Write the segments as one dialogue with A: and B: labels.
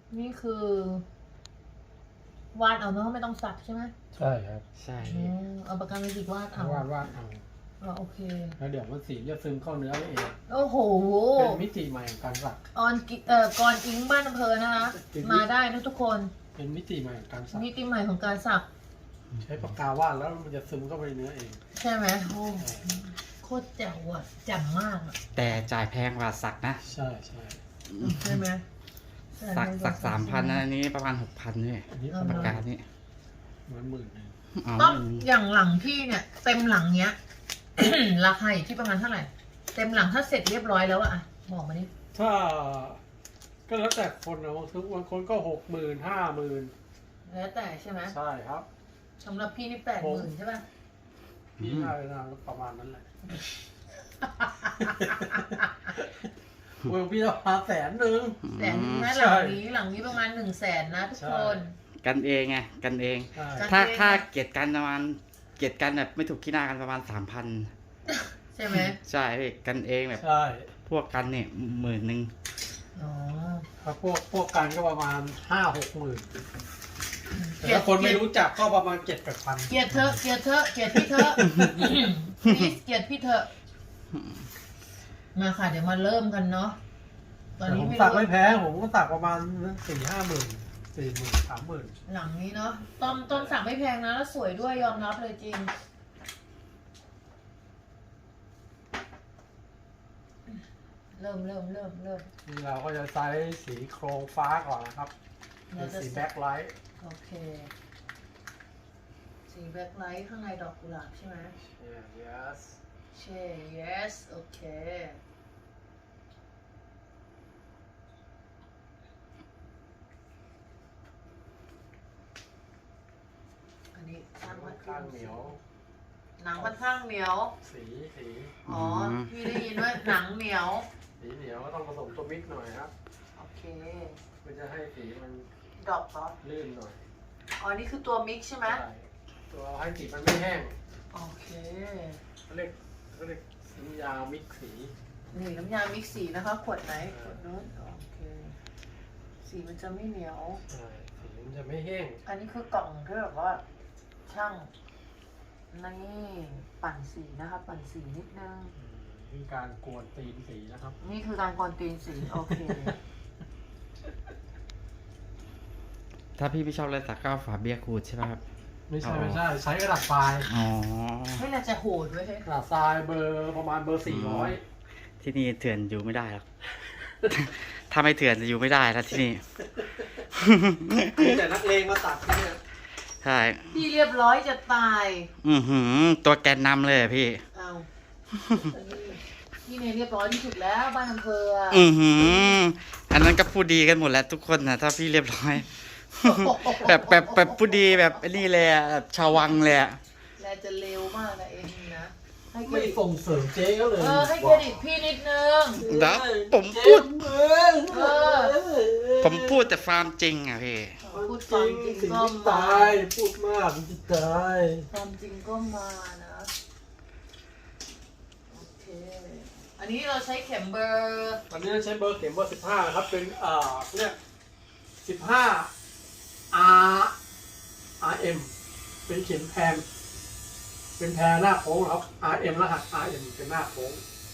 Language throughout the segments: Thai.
A: นี่คือวาดเอาเนอะไม่ต้องสักใช่ไหม
B: ใช่ครับ
C: ใช่
A: เอาปากกาเมจิกวาดเอา
B: วาดเอา
A: โอเค
B: แล้วเดี๋ยวมันสีจะซึมเข้าเนื้อเอง
A: โอ้โห
B: เป็นมิติใหม่ของการสัก
A: ก่อนอิงบ้านอำเภอนะคะ มาได้นะทุกคน
B: เป็นมิติใหม่ของการสัก
A: มิติใหม่ของการสัก
B: ใช้ปากกาวาดแล้วมันจะซึมเข้าไปในเนื้อเอง
A: ใช่ไหมโอ้โคตรแจ๋วอ่ะแจ่มมากอ่ะ
C: แต่จ่ายแพงกว่าสักนะ
B: ใช่ใช่
A: ใช่ไหม
C: สัก3,000นะอันนี้ประมาณ6,000นี่
B: อันนี้
C: ปากกานี่
B: มัน10,000
C: อ๋อ
A: ต้องอย่างหลังพี่เนี่ย เต็มหลังเนี้ย ราคาอยู่ที่ประมาณเท่าไหร่ เต็มหลังถ้าเสร็จเรียบร้อยแล้วอะบอกมาดิ
B: ถ้าก็แล้วแต่คนนะบางคนก็60,000 50,000
A: แล้วแต่ใช่ไหม
B: ใช่ครับ
A: สำหรับพี่นี่80,000ใช่ป่ะ
B: พี่ได้นะประมาณนั้นแหละเมืองพี่จะพา100,000
A: แต่นี่นะ
B: ใช่
A: หลังนี้ประมาณ100,000นะทุกคน
C: กันเองไงกันเอง
B: ใช่
C: ถ้าเกลียดกันประมาณเกลียดกันแบบไม่ถูกขี้หน้ากันประมาณ 3,000
A: ใช่ไหม
C: ใช่พี่กันเองแบบ
B: ใช่
C: พวกกันเนี่ย10,000
A: อ๋อ
B: ถ้าพวกกันก็ประมาณ50,000-60,000แต่ถ้าคนไม่รู้จักก็ประมาณ7-8,000
A: เกลียดเธอะเกลียดเธอะเกลียดพี่เธอะ please เกลียดพี่เธอะมาค่ะ เดี๋ยวมาเริ่มกันเนาะตอน
B: แต่
A: นี้
B: ผม
A: ไม่
B: ตัก
A: รู้
B: ไม่แพ้ผมก็ตักประมาณ4-50,000 40,000-30,000
A: หลังนี้เนาะต้นสั่งไม่แพงนะแล้วสวยด้วยยอมรับเลยจริง เริ่ม
B: นี่เราก็จะใช้สีโครงฟ้าก่อนนะครับเป็นสีแบ็คไลท์
A: โอเค สีแบ็คไลท์ข้างในดอกกุหลาบใช่ไหม
B: yes
A: ใช่ yes โอเค อันนี้ตั้งไว้
B: ข้างเหนียว
A: หนังค่อนข้างเหนียว
B: สี
A: อ๋อ พี่ได้ยินว่าหนังเหนียว
B: สีเหนียวก็ต้องผสมตัวมิกหน่อยครับ
A: โอเค
B: เพื่อจะให้สีมัน
A: ดอกเหรอ
B: ลื่นหน่อย
A: อ๋อ นี่คือตัวมิกใช่ไหม
B: ใช่ตัวให้สีมันไม่แห้ง
A: โอเค
B: เขาเรียกน้ำยามิกสี
A: นี่น้ำยามิกสีนะคะ ขวดไหน ขวดนู้นโอเค สีมันจะไม่เหนียว
B: ใช่สีมันจะไม่แห้ง
A: อันนี้คือกล่องที่แบบว่า ช่างนี่ปั่นสีนะคะ ปั่นสีนิดนึง
B: คือการกวนตีนสีนะครับ
A: นี่คือการกวนตีนสี โอเค
C: ถ้าพี่ไม่ชอบอะไรสักก็เอาฝาเบียร์ขูดใช่ไหมครับ
B: ไม่ใช่ใช้กระดาษทราย
C: อ๋อ
A: ไม่น่าจะโหดด้วยเฮ้ย
B: กระดาษทรายประมาณเบอร์400
C: ที่นี่เถื่อนอยู่ไม่ได้หรอก ถ้าไม่เถื่อนจะอยู่ไม่ได้แล้วที่นี่
B: มีแต่นักเลงมาตัดที่เนี่ย
C: ใช่
A: พี่เรียบร้อยจะตาย
C: ตัวแกนนำเลยอะพี่
A: เอาพี่เนยเรียบร้อยที่สุดแล้วบ้านอำเภออะ
C: อันนั้นก็พูดดีกันหมดแล้วทุกคนนะถ้าพี่เรียบร้อย แบบพูดดีแบบไอ้นี่เลยอะแบบชาววังเลยอะ
A: แลจะเร็วมากนะเองนะให้เคร
B: ไม่
A: ดิต
B: ส่งเสริมเจ๊ก็เลย
A: ให้เครดิตพี่นิดนึง
C: แล้วผมพูด
A: เออ
C: ผมพูดแต่ความจริงอะพี่
A: พูดความจริง
B: สิ่ง
A: ก็
B: ที่
A: มา
B: ตายพูดมากมันจะตาย
A: ความจริงก็มานะโอเคอันนี้เราใช้เข็มเบอร์
B: วันนี้เราใช้เบอร์เข็มเบอร์15ครับเป็นเนี่ย15 RM เป็นเข็มแพนเป็นแพรหน้าโค้งครับ RM รหัส RM เป็นหน้าโค้ง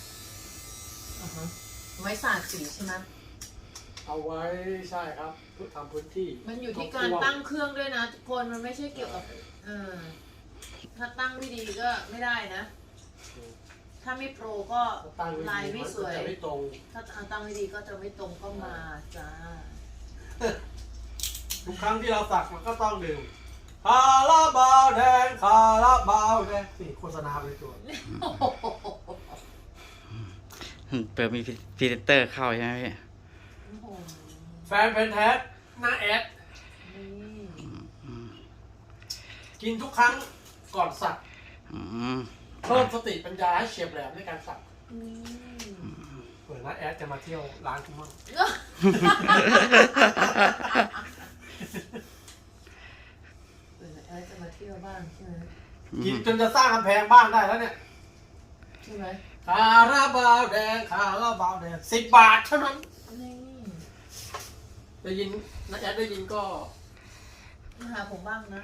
A: ไว้สาดสีใช่ไหม
B: เอาไว้ใช่ครับเพื่อทำพื้นที่
A: มันอยู่ที่การตั้งเครื่องด้วยนะทุกคนมันไม่ใช่เกี่ยวกับถ้าตั้งไม่ดีก็ไม่ได้นะ ถ้าไม่โปรก็
B: ตั้ง
A: ลายไม่สวย
B: จะไม่ตรง
A: ถ้าตั้งไม่ดีก็จะไม่ตรงก็มาจ้า
B: ทุกครั้งที่เราสักมันก็ต้องดื่มคาราบาวแดงคาราบาวแดงนี่โฆษณาไปตัว
C: เปิดมีพรีเซนเตอร์เข้าใช่ไหมพี่
B: แฟนเพนแท้หน้าแอด
A: นี่
B: กินทุกครั้งก่อนสัก
C: อืม
B: เพิ่มสติปัญญาให้เฉียบแหลมในการสัก
A: อืม
B: เผื่อหน้าแอดจะมาเที่ยวร้านคุณมั่ง
A: จะมาเที่ยวบ้างใช่ไหม
B: กินจนจะสร้างกำแพงบ้านได้แล้วเนี่ย
A: ใช่ไหม
B: คาราบาวแดงคาราบาวแดง10 บาทเท่านั้น
A: นี่
B: ได้ยินนักแอดได้ยินก็
A: มาหาผมบ้างนะ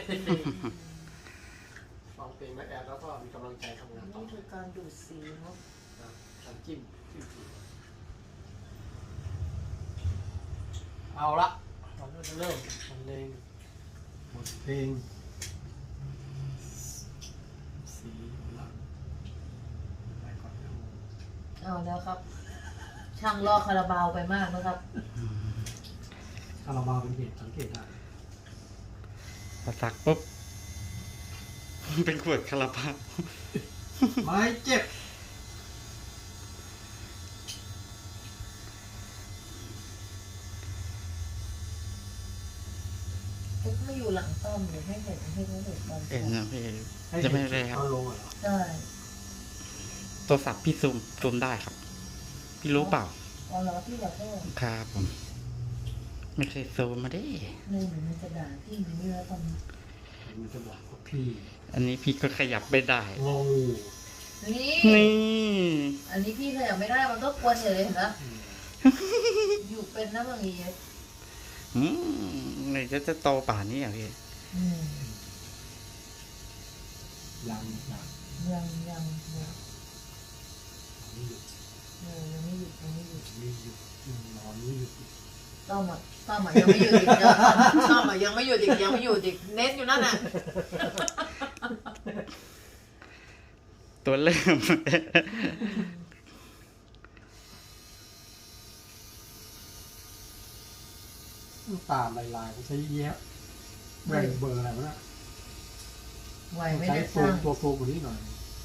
B: ฟังเพลงนักแอดแล้วก็มีกำลังใจทำงานต่อ
A: นี่คือการดูดสีเนาะ
B: นะการจิ้มเอาละเราจะเริ่มบรรเลงบทเพลงสีหลังไปก่อนนะ
A: เอาแล้วครับ ช่างลอกคาราบาวไปมากนะครับ
B: คาราบาวเป็นเหตุสังเกตได้
C: พอสักปุ๊บ เป็นขวดคาราบาว
B: ไม้เจ็บ
A: เอ็กไม่อยู่หลังต้อมเดี๋ยวให้เห็นให้เขาเห็นตอน
C: เอ็นนะพี่
B: ให้
C: จะ
B: เห็น
C: ไม่ได้ครับ
B: ตอนลงเหรอ
A: ใช่
C: โทรศัพท์พี่ซูมได้ครับ พี่รู้เปล่า
A: เอาแล้วพี่อยากได้
C: ครับผม ไม่เคยซูมมาดิ
A: เลยเหมือนมันจะด่าพี่อย่างนี้แล้วตอนนี้
B: มันจะบอกว่าพี่
C: อันนี้พี่ก็ขยับไม่ได้
B: งง
A: นี่
C: นี่
A: อันนี้พี่ขยับไม่ได้มันก็กวนเลยเห็นไหมอยู่เป็นนะบางที
C: อืมไหนจะโตป่านนี้อ่ะพี่
A: อืม
B: ยัง
A: ยัง
B: ไม่หยุด
A: ยังไม่หยุดยังไม่หยุด
B: ไม่หยุดนอนไม่หยุด
A: ต้อมอ่ะยังไม่หยุดอีกเดี๋ยวต้อมอ่ะยังไม่หยุดอีกยังไม่หยุดอีกเน้นอยู่นั่นน่ะ
C: ตัวเริ่ม
B: ตามลายๆใช้เยอะแบ่งเบอร์อะไรวะเนี่ย
A: ไหวไม่
B: ใช้
A: ได้
B: โฟ
A: สร้าม ง
B: ตัวโฟมกว่านี้หน่อย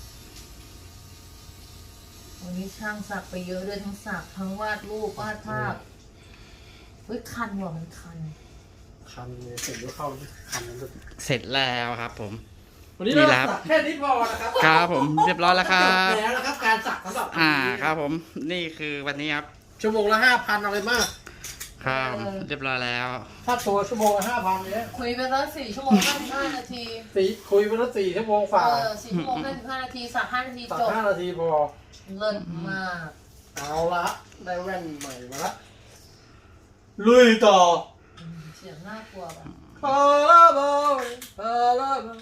A: วันนี้ช่างสักไปเยอะเลยทั้งสักทั้งวาดรูปวาดภาพเฮ้ยคันว่ะมันคัน
B: คันเลยเสร็จแล้วเข้าคันนั้นเลย
C: เสร็จแล้วครับผม
B: วันนี้
C: นี่
B: เรา
C: แหละครับ
B: สักแค่นี้พอนะครับ
C: ครับผมเรียบร้อยแล้วครั
B: จบบ แล้วนะครับการสักสำหรับ
C: ครับผม นี่คือวันนี้ครับ
B: ชั่วโมงละ5,000อะไรมาก
C: ครับเรียบร้อยแล้ว
B: ถ้าตัวชั่วโมงละ5,000เนี่ย
A: คุยไปแล้ว4 ชั่วโมง55 นาที
B: คุยไปแล้ว4 ชั่วโมงฝ่า
A: 4 ชั่วโมง55 นาทีสัก5 นาที
B: สัก
A: จบ
B: 5 นาทีพอ
A: เลิศมาก
B: เอาละได้แว่นใหม่มาละลุยต่อ
A: เสียงน่ากลัวแบบ
B: คาราบาวคาราบาว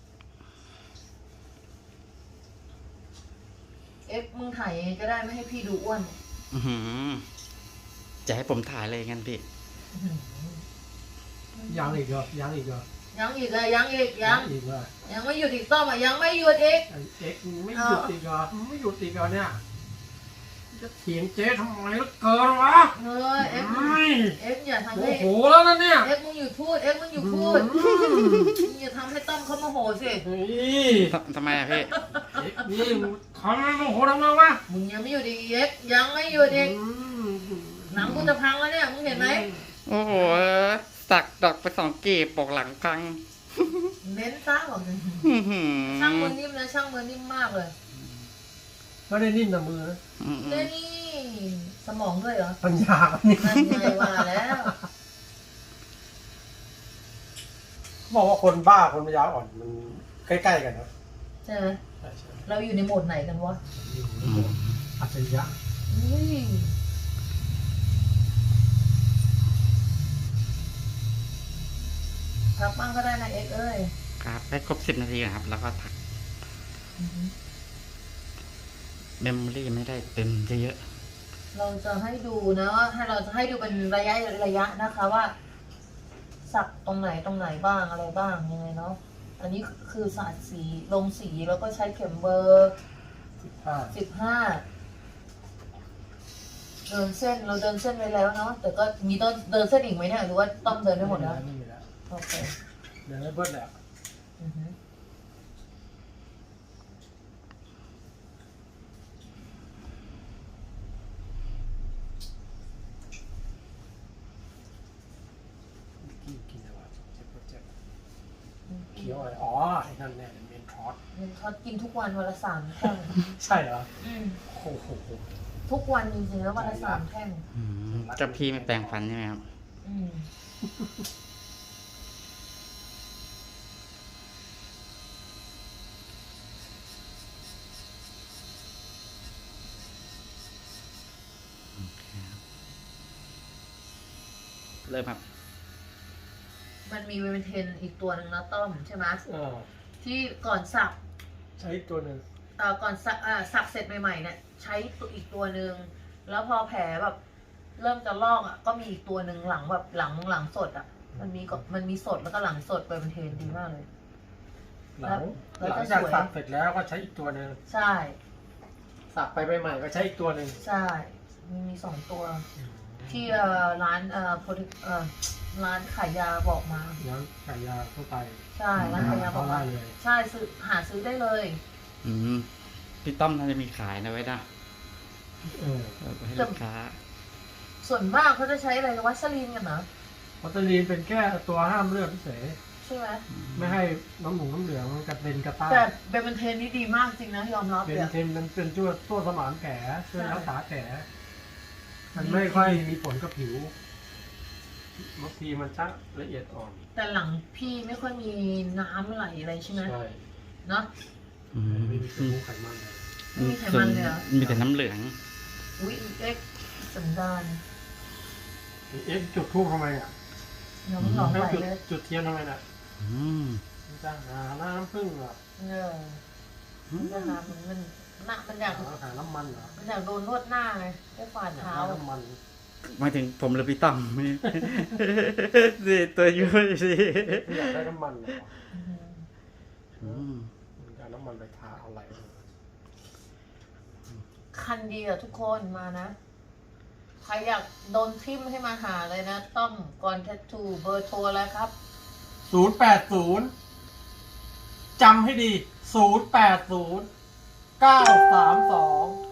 A: เอฟมึงถ่ายยังไงก็ได้ไม่ให้พี่ดูอ้วน
C: อื้อหือจะให้ผมถ่ายเลยงั้นพี่
B: ยังอีกเหรอยังอีกเหรอ
A: ยังอีกเลยยังอีกยัง
B: อีกเหรอ
A: ยังไม่หยุดอีกต้อมอ่ะยังไม่หยุดอีก
B: ไอ้เอ็กซ์ไม่หยุดอีกเหรอไม่หยุดอีกเหรอเนี่ยจะเถียงเจ๊ทำไมล่ะเกินวะ
A: เฮ้ยเอฟ
B: ไม่
A: เอฟอย่าทำ
B: โม
A: ให้
B: โหแล้วนะเนี่ย
A: เอฟมึงหยุดพูดเอฟมึงหยุดพูดมึงอย่าทำให้ต้อมเขาโมโหสิ
B: นี่
C: ทำไมอะพี่
B: เอ็กซ์นี่ทำไมโมโหทำไมวะ
A: มึงยังไม่หยุดอีกเอฟยังไม่หยุดอีก หนังกูจะพังแล้วเนี่ยมึงเห็นไหม
C: โอ้โห สักดอกไป2 กีบปกหลังพัง
A: เน้นซ่าบอกเลย
C: อื้อหือ
A: ช่างมือนิ่มนะช่างมือนิ่มมากเลย
B: ไม่ได้นิ่มนะมือนะ
C: อืม
A: เล่นี่สมองด้วยเหรอ
B: ปัญญานี่
A: นั่นไงว่าแล้ว
B: บอกว่าคนบ้าคนปัญญาอ่อนมันใกล้ๆกันนะ
A: ใช่ไหม
B: ใช่ใช่
A: เราอยู่ในโหมดไหนกันวะ
B: อยู่ในโหมดอัจฉริยะ
A: อุ้ยพักบ้างก็ได้นะเอ็กซ์เอ้ย
C: ครับให้ครบ10 นาทีนะครับ แล้วก็ถัก
A: อือหือ
C: เมมโมรี่ไม่ได้เต็มเยอะ
A: เราจะให้ดูนะว่าให้เราจะให้ดูเป็นระยะนะคะว่า สักตรงไหนบ้างอะไรบ้างยังไงเนาะอันนี้คือสาดสีลงสีแล้วก็ใช้เข็มเบอร์ 15เดินเส้นเราเดินเส้นไปแล้วเนาะแต่ก็มีต้นเดินเส้นอีกไหมเนี่ยหรือว่าต้อมเดินได้หมดแล้ว
B: ไม่มีแล้ว
A: โอเค
B: เดินไม่เบิ้ลแล้ว
A: อือฮึ
B: กินอะไรวะเจ็บเคี้ยวอะไรอ๋อไอ้นั่นเนี่ยเมนทอส
A: มันทอดกินทุกวันวันละ3 แท่ง
B: ใช่เหรอ
A: อืม
B: โอ้โห
A: ทุกวันจริงๆแล้ววันละ3 แท่ง
C: ๆอืมเจ้าพี่ไม่แปลงฟันใช่ไหมครับ
A: อืม
C: เริ่มครับ
A: มันมีเวเมนเทนอีกตัวหนึ่งนะต้อมใช่ไหม
B: อ่า
A: ที่ก่อนสัก
B: ใช้ตัวหนึ่ง
A: ก่อนสักเสร็จใหม่ๆเนี่ยใช้ตัวอีกตัวหนึ่งแล้วพอแผลแบบเริ่มจะลอกอ่ะก็มีอีกตัวหนึ่งหลังแบบหลังสดอ่ะมันมีสดแล้วก็หลังสดเวเมนเทนดีมากเลย
B: หลัง
A: แล้ว
B: หลั
A: ก็
B: งจาก
A: สวย
B: สักเสร็จแล้วก็ใช้อีกตัวหนึ่ง
A: ใช่
B: สักไปใหม่ๆก็ใช้อีกตัวหนึ่ง
A: ใช่มีสองตัวที่ร้านร้านขายยาบอกมา
B: แล้วขายยาทั่วไป
A: ใช่ร้านขายยาบอก
B: ได้
A: มา
B: เลย
A: ใช่หาซื้อได้เลย
C: อืมพี่ต้อมน่าจะมีขายนะไว้นะ
B: เออ
C: ให้ลูกค้า
A: ส่วนมากเขาจะใช้อะไรวัสลีนกันนะ
B: วัตลีนเป็นแค่ตัวห้ามเลือดเฉย
A: ใช่ไหม
B: ไม่ให้น้ำเหลืองกระเด็นกระต้าน
A: แต่เบนเทนนี่ดีมากจริงนะยอมรับ
B: เป็
A: เล
B: น
A: ย
B: เทนมันเป็นตัวสมานแผลช่วย
A: ใช่
B: รักษาแผลมันไม่ค่อยมีผลกับผิวบางทีมันชักละเอียดอ่อน
A: แต่หลังพี่ไม่ค่อยมีน้ำไหลอะไรใช่ไหม
B: ใช่
A: เนาะ
C: อืม
B: ไม่มีกระดูกไขมันเลย
A: ไม่มีไขมันเลยเหรอ
C: มีแต่น้ำเหลือง
A: อุ้ยเอ็กสันดาน
B: เอ๊ะจุดทูบทำไมอ่ะ
A: น้ำหลองไหล
B: จุด
A: เลย
B: จุดเทียนทำไมน่ะ
C: อืม
B: มันจะหาน้ำพึ่งเหรอ
A: มันจะหามันอยาก
B: หาน้ำมันเหรอ
A: มันอยากโดนนวดหน้าไงได้ฝ่าเท้า
B: น้ำมัน
C: หมายถึงผมหรือพี่ต้อม สิตัวยุ่ยสิ
B: อยากได้น้ำมันเหรอ
C: อืม
B: มันจะเอาน้ำมันไปทาเอาอะไร
A: คันดีอะทุกคนมานะ ใครอยากโดนทิมให้มาหาเลยนะ ต้อมก่อนแทททูเบอร์โทรอะไรครับ
B: 080จำให้ดี080 932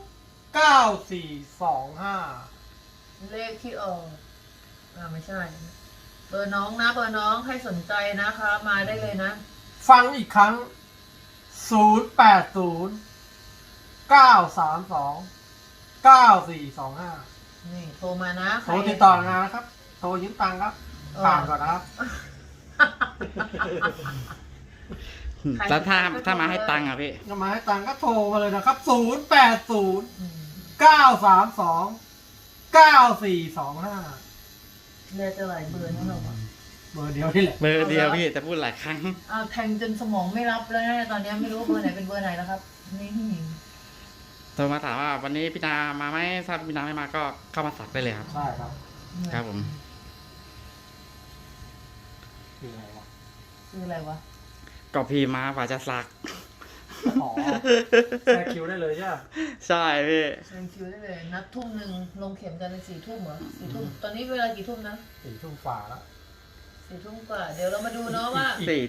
B: 9425
A: เลขที่ออกไม่ใช่ เบอร์น้องนะ เบอร์น้องให้สนใจนะคะ มาได้เลยนะ
B: ฟังอีกครั้ง 080 932 9425
A: นี่โทรมานะ
B: โทรติดต่องานนะครับ โทรยืมตังค์ครับผ่านก่อนนะครับ
C: แล้วถ้ามาให้ตังค์อ่ะพี่
B: ก็มาให้ตังค์ก็โทรมาเลยนะครับ 080
A: อืม
B: 932 9425
A: เรียกจะหลายเบอร์นะเราอะ
B: เบอร์เดียวนี่แหละ
C: เบอร์เดียวพี่แต่พูดหลายครั้ง
A: เอาแทงจนสมองไม่รับแล้วนะตอนนี้ไม่รู้เบอร์ไหนเป็นเบอร์ไหนแล้วครับ นี่
C: โทรมาถามว่าวันนี้พี่นามาไหมถ้าพี่นาไม่มาก็เข้ามาสักได้เลยครับ
B: ใช่ครับ
C: ครับผม
B: คืออะไรวะ
A: คืออะไรวะ
C: ก็พี่มาฝ่าจะสัก
B: อ๋อแทรกคิวได้เลยใช่ไหม
C: ใช่พี่
A: เชิญคิวได้เลย นัดทุ่มหนึ่งลงเข็มกันเป็น4 ทุ่มเหรอ4 ทุ่ม ตอนนี้เวลากี่ทุ่มนะ
B: 4 ทุ่มฝ่าแล้ว
A: 4 ทุ่มกว่า เดี๋ยวเรามาดูเนาะว่า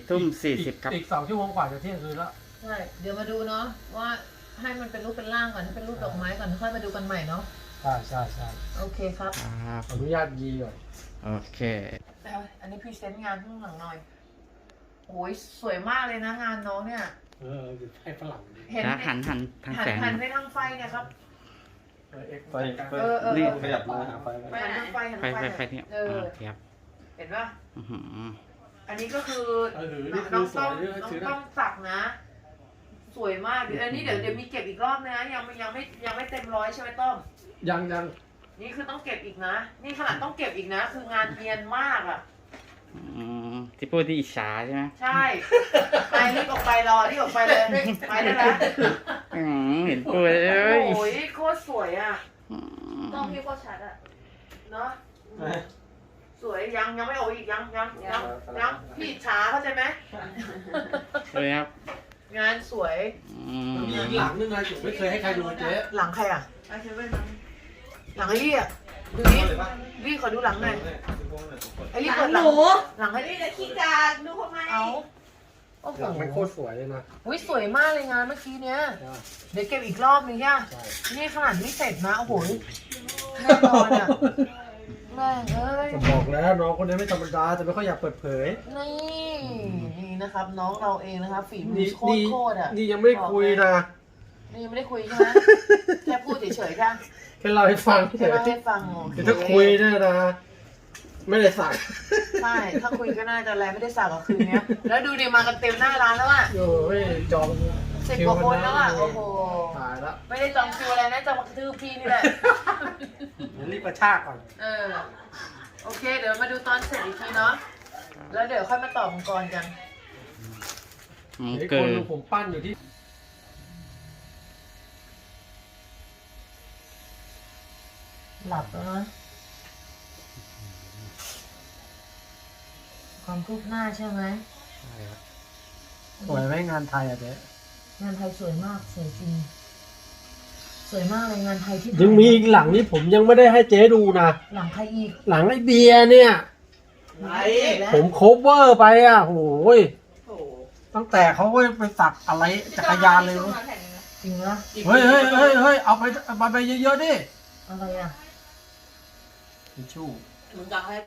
C: 4:40ครับ
B: อีก2 ชั่วโมงกว่าจะเที่ยงคืนแล้ว
A: ใช่ เดี๋ยวมาดูเนาะว่าให้มันเป็นรูปเป็นร่างก่อนให้เป็นรูปดอกไม้ก่อนค่อยมาดูกันใหม่เนาะ
B: ใช่ใช่ใช่
A: โอเคครับ
C: ครับ
B: อนุญาตยีก่อน
C: โอเค
A: อันนี้พรีเซนต์งานข้างหลังหน่อยโอ้ยสวยมากเลยนะงานน้องเนี่ย
B: ให้ฝรั่งดิ
A: เห็น
C: แล้วหันทางแสง
A: หันไปทางไฟเนี่ยครับ
B: เอ็กซ์
D: ไฟ
C: นี่
D: ขยับมาหาไฟไหม
A: หันทางไฟหัน
C: ไฟ
A: ทางไฟ
C: เนี่ย
A: เออ
C: ครับ
A: เห็นป่ะ
C: อื้อหือ
A: อันนี้ก็คือ
B: นี่
A: น้
B: คือ อง ส
A: ต้
B: ว
A: อย ง
B: นี่
A: น้อง
B: ถือ
A: ต้
B: นะ
A: องสักนะ สวยมากเดี๋ยวอันนี้เดี๋ยวมีเก็บอีกรอบนะยังไม่เต็มร้อยใช่ไหมต้อม
B: ยัง
A: นี่คือต้องเก็บอีกนะ นี่ขนาดต้องเก็บอีกนะ คืองานเนียนมากอ่ะ
C: ที่พูดที่อิจฉาใช่ไหม
A: ใช่ไปรีบออกไปรอรีบออกไปเลยไปได้แล้ว
C: เห็นพูดเอ้ย
A: โอ้ยโคตรสวยอ่ะ
E: ต้องพี่โคตรชัดอะ
A: เนาะสวยยังไม่ออกอีกยังพี่อิจฉาเข้าใจไหม
C: เลยครับ
A: งานสวย
B: มีหลังนึงนะจุ๋มไม่เคยให้ใครดูเจ๊
A: หลังใครอ่ะ
E: ไปเซเว่นนั้น
A: หลังไอ้ลี่อ่ะดูนี่ลี่ขอดูหลังหน่อยไอ้ลี่
E: หลั
A: เปิ
E: ง
A: ด
E: ห
A: หลัง
E: นู
A: หลังให้
E: นี่จะขี้กาดูทำไม
A: เอาโอ้โห
B: หลังมันโคตรสวยเลยนะ
A: อุ้ยสวยมากเลยงานเมื่อกี้เนี้ยเดี๋ยวเก็บอีกรอบนึงย่ะ
B: ใช่
A: นี่ขนาดไม่เสร็จนะโอ้โหแน่นอนอ่ะแม่งเอ้ย
B: ผมบอกแล้วน้องคนนี้ไม่ธรรมดาจะไม่ค่อยอยากเปิดเผย
A: นี่นะครับ น้องเราเองนะครับฝีมื
B: นี่
A: อโคตรอ่ะ
B: นี่ยังไม่ได้คุยนะ
A: นี่ยังไม่ได้คุยใช่ไหมแค่พูดเฉยๆค่ะ
B: แค่เล่าให้ฟังเฉ
A: แค่
B: ย
A: เล่าให้ฟังโอเค
B: คือถ้าคุยเนี่ยนะ ไม่ได้สั่ง
A: ใช่ถ้าคุยก็น่าจะอะไรไม่ได้สั่งกับคืนเนี้ยแล้วดูดิมากันเต็มหน้าร้านแล้วอ่ะ
B: โอ้ยจอง
A: 10 กว่าคนแล้วอ่ะโอ้โห
B: ตายละ
A: ไม่ได้จองคิวอะไรนะจองกระทืบพี่นี่แหละ
B: เดี๋ยวรีบกระชากก่อน
A: เออโอเค เดี๋ยวมาดูตอนเสร็จอีกทีเนาะแล้วเดี๋ยวค่อยมาต่อมังกรกัน
B: เดี๋ยว
C: เกิ
B: คน
C: ด
B: ดูผมปั้นอยู่ที่
A: หลับแล้วนะความคืบหน้าใช่ไหม
B: สวยไหมงานไทยอ่ะเจ๊
A: งานไทยสวยมากสวยจริง สวยมากเลยงานไทยที่
B: ยังมีอีกหลังนี้ผมยังไม่ได้ให้เจ๊ดูนะ
A: หลังใครอีก
B: หลังไอ้เบียร์เนี่ย
A: ไหนแล้ว
B: ผมโคเวอร์ไปอ่ะโอ้ย
E: โอ้โห
B: ตั้งแต่เขาไปสักอะไรจักรยานเลย
E: พี่
B: เว้ย
E: มาแผ่นนึงนะ
A: จริงนะ
B: เฮ้ยเอาไปเยอะๆดิ
A: อะไรอ่ะ
B: ทิชชู่
E: มึงจะให้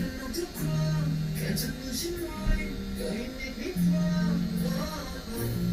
A: เ